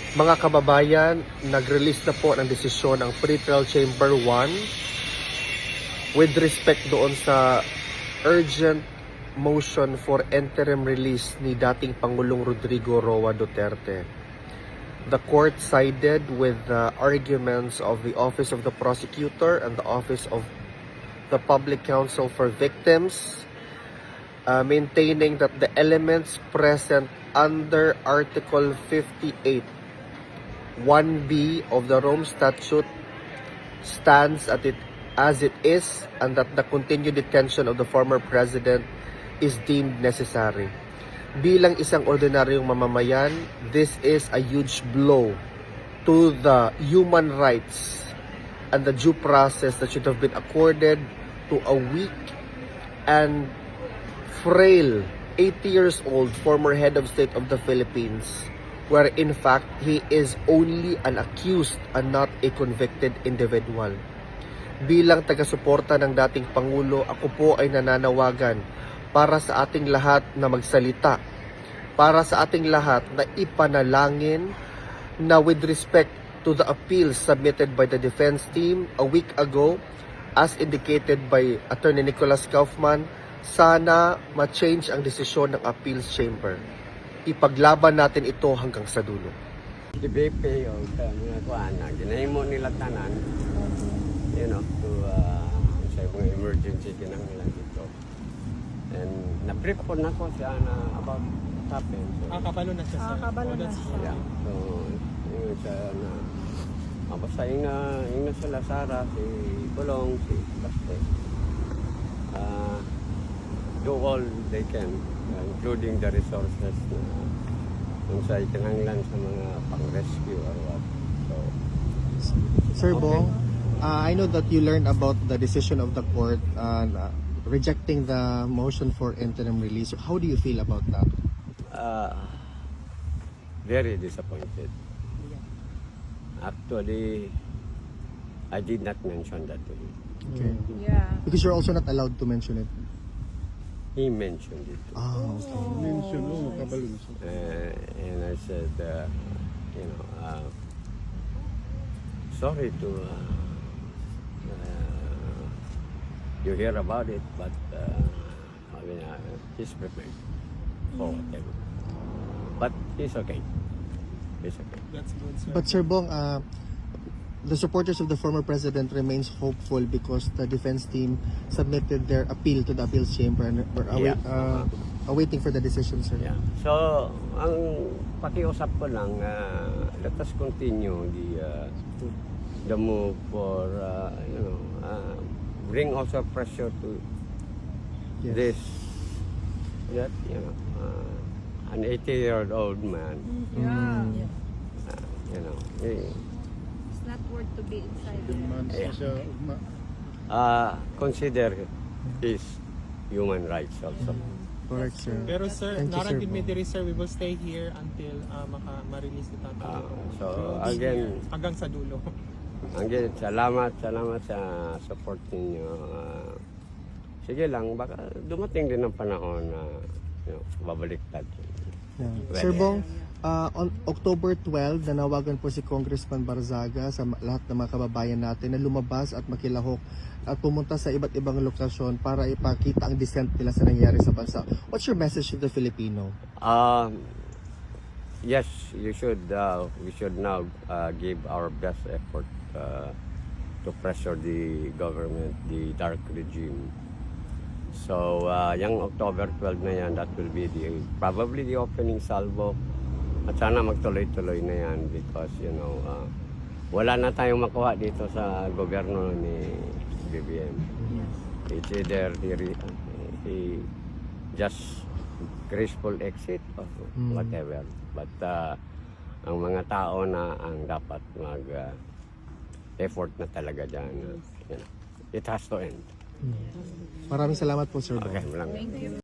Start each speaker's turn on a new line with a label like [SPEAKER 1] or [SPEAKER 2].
[SPEAKER 1] Mga kababayan, nag-release na po ng desisyon ang Pretrial Chamber 1 with respect doon sa urgent motion for interim release ni dating Pangulong Rodrigo Roa Duterte. The court sided with the arguments of the Office of the Prosecutor and the Office of the Public Counsel for Victims, maintaining that the elements present under Article 58 1B of the Rome Statute stands as it is, and that the continued detention of the former president is deemed necessary. Bilang isang ordinaryong mamamayan, this is a huge blow to the human rights and the due process that should have been accorded to a weak and frail 80 years old former head of state of the Philippines, where in fact he is only an accused and not a convicted individual. Bilang taga-suporta ng dating Pangulo, ako po ay nananawagan para sa ating lahat na magsalita, para sa ating lahat na ipanalangin na with respect to the appeals submitted by the defense team a week ago, as indicated by Attorney Nicholas Kaufman, sana ma-change ang desisyon ng appeals chamber. Ipaglaban natin ito hanggang sa dulo.
[SPEAKER 2] The BP o mga kuhaan na ginahimo nila tanan, to sa mga emergency kinahanglan dito. And na-brief po na ko siya na about what happened. So,
[SPEAKER 3] kabalo na siya, sir.
[SPEAKER 4] Kabalo na siya.
[SPEAKER 2] yeah. So, yun siya na basta yung na sila Sara, si Kulong, si Baste. Do all they can, including the resources na kung sa itinanglan sa mga pang-rescue or what. So,
[SPEAKER 5] Sir Bong, I know that you learned about the decision of the court rejecting the motion for interim release. How do you feel about that?
[SPEAKER 2] very disappointed. Actually, I did not mention that to him.
[SPEAKER 5] Okay.
[SPEAKER 4] Yeah.
[SPEAKER 5] Because you're also not allowed to mention it.
[SPEAKER 2] He mentioned it.
[SPEAKER 5] Oh, okay.
[SPEAKER 2] And I said, sorry to you hear about it, but he's prepared for whatever. But he's okay. He's okay.
[SPEAKER 3] That's good, sir.
[SPEAKER 5] But Sir Bong, the supporters of the former president remains hopeful because the defense team submitted their appeal to the appeals chamber and we're awaiting for the decision, sir.
[SPEAKER 2] Yeah. So, ang pakiusap ko lang, let us continue the move for, bring also pressure to
[SPEAKER 5] Yes.
[SPEAKER 2] this, that, an 80-year-old man,
[SPEAKER 4] Yeah.
[SPEAKER 2] It's
[SPEAKER 4] not worth to be inside there.
[SPEAKER 2] consider his human rights also.
[SPEAKER 5] Correct, sir.
[SPEAKER 3] Pero sir,
[SPEAKER 5] Thank you, sir,
[SPEAKER 3] narang
[SPEAKER 5] Bong.
[SPEAKER 3] diri sir, we will stay here until ma-release ni Tatay.
[SPEAKER 2] So, again,
[SPEAKER 3] hanggang sa dulo.
[SPEAKER 2] again, salamat sa support ninyo. Sige lang, baka dumating din ang panahon na babaliktad.
[SPEAKER 5] Yeah.
[SPEAKER 2] Well,
[SPEAKER 5] Sir Bong, on October 12, nanawagan po si Congressman Barzaga sa lahat ng mga kababayan natin na lumabas at makilahok at pumunta sa iba't ibang lokasyon para ipakita ang dissent nila sa nangyari sa bansa. What's your message to the Filipino?
[SPEAKER 2] Yes, we should now give our best effort to pressure the government, the dark regime. So, yung October 12 na yan, that will be probably the opening salvo. At sana magtuloy-tuloy na yan because, wala na tayong makuha dito sa gobyerno ni BBM. It's either he just graceful exit or whatever. But ang mga tao na ang dapat effort na talaga dyan. It has to end.
[SPEAKER 5] Maraming salamat po, Sir Bong.
[SPEAKER 2] Okay, maraming.